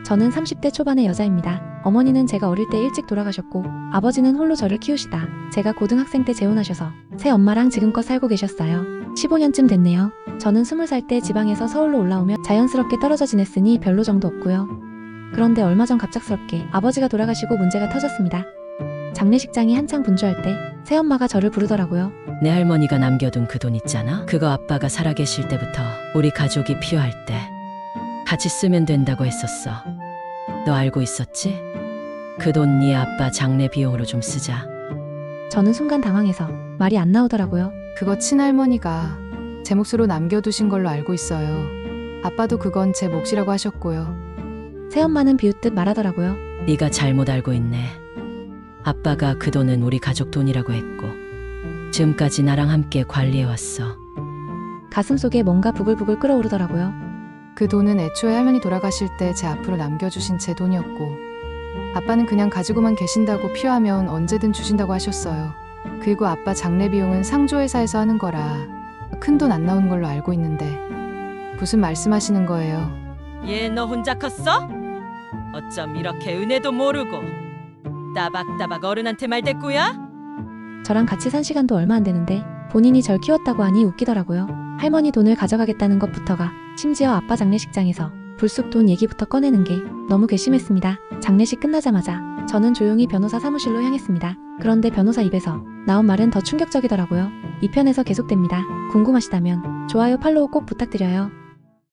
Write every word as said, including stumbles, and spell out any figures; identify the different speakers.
Speaker 1: 저는 삼십 대 초반의 여자입니다. 어머니는 제가 어릴 때 일찍 돌아가셨고 아버지는 홀로 저를 키우시다 제가 고등학생 때 재혼하셔서 새 엄마랑 지금껏 살고 계셨어요. 십오 년쯤 됐네요. 저는 스무 살 때 지방에서 서울로 올라오며 자연스럽게 떨어져 지냈으니 별로 정도 없고요. 그런데 얼마 전 갑작스럽게 아버지가 돌아가시고 문제가 터졌습니다. 장례식장이 한창 분주할 때 새엄마가 저를 부르더라고요.
Speaker 2: 내 할머니가 남겨둔 그 돈 있잖아? 그거 아빠가 살아계실 때부터 우리 가족이 필요할 때 같이 쓰면 된다고 했었어. 너 알고 있었지? 그 돈 네 아빠 장례 비용으로 좀 쓰자.
Speaker 1: 저는 순간 당황해서 말이 안 나오더라고요.
Speaker 3: 그거 친할머니가 제 몫으로 남겨두신 걸로 알고 있어요. 아빠도 그건 제 몫이라고 하셨고요.
Speaker 1: 새엄마는 비웃듯 말하더라고요.
Speaker 2: 네가 잘못 알고 있네. 아빠가 그 돈은 우리 가족 돈이라고 했고 지금까지 나랑 함께 관리해왔어.
Speaker 1: 가슴속에 뭔가 부글부글 끓어오르더라고요.
Speaker 3: 그 돈은 애초에 할머니 돌아가실 때 제 앞으로 남겨주신 제 돈이었고 아빠는 그냥 가지고만 계신다고 필요하면 언제든 주신다고 하셨어요. 그리고 아빠 장례 비용은 상조회사에서 하는 거라 큰 돈 안 나오는 걸로 알고 있는데 무슨 말씀하시는 거예요?
Speaker 2: 얘 너 혼자 컸어? 어쩜 이렇게 은혜도 모르고 따박따박 어른한테 말대꾸야?
Speaker 1: 저랑 같이 산 시간도 얼마 안 되는데 본인이 절 키웠다고 하니 웃기더라고요. 할머니 돈을 가져가겠다는 것부터가 심지어 아빠 장례식장에서 불쑥 돈 얘기부터 꺼내는 게 너무 괘씸했습니다. 장례식 끝나자마자 저는 조용히 변호사 사무실로 향했습니다. 그런데 변호사 입에서 나온 말은 더 충격적이더라고요. 이 편에서 계속됩니다. 궁금하시다면 좋아요 팔로우 꼭 부탁드려요.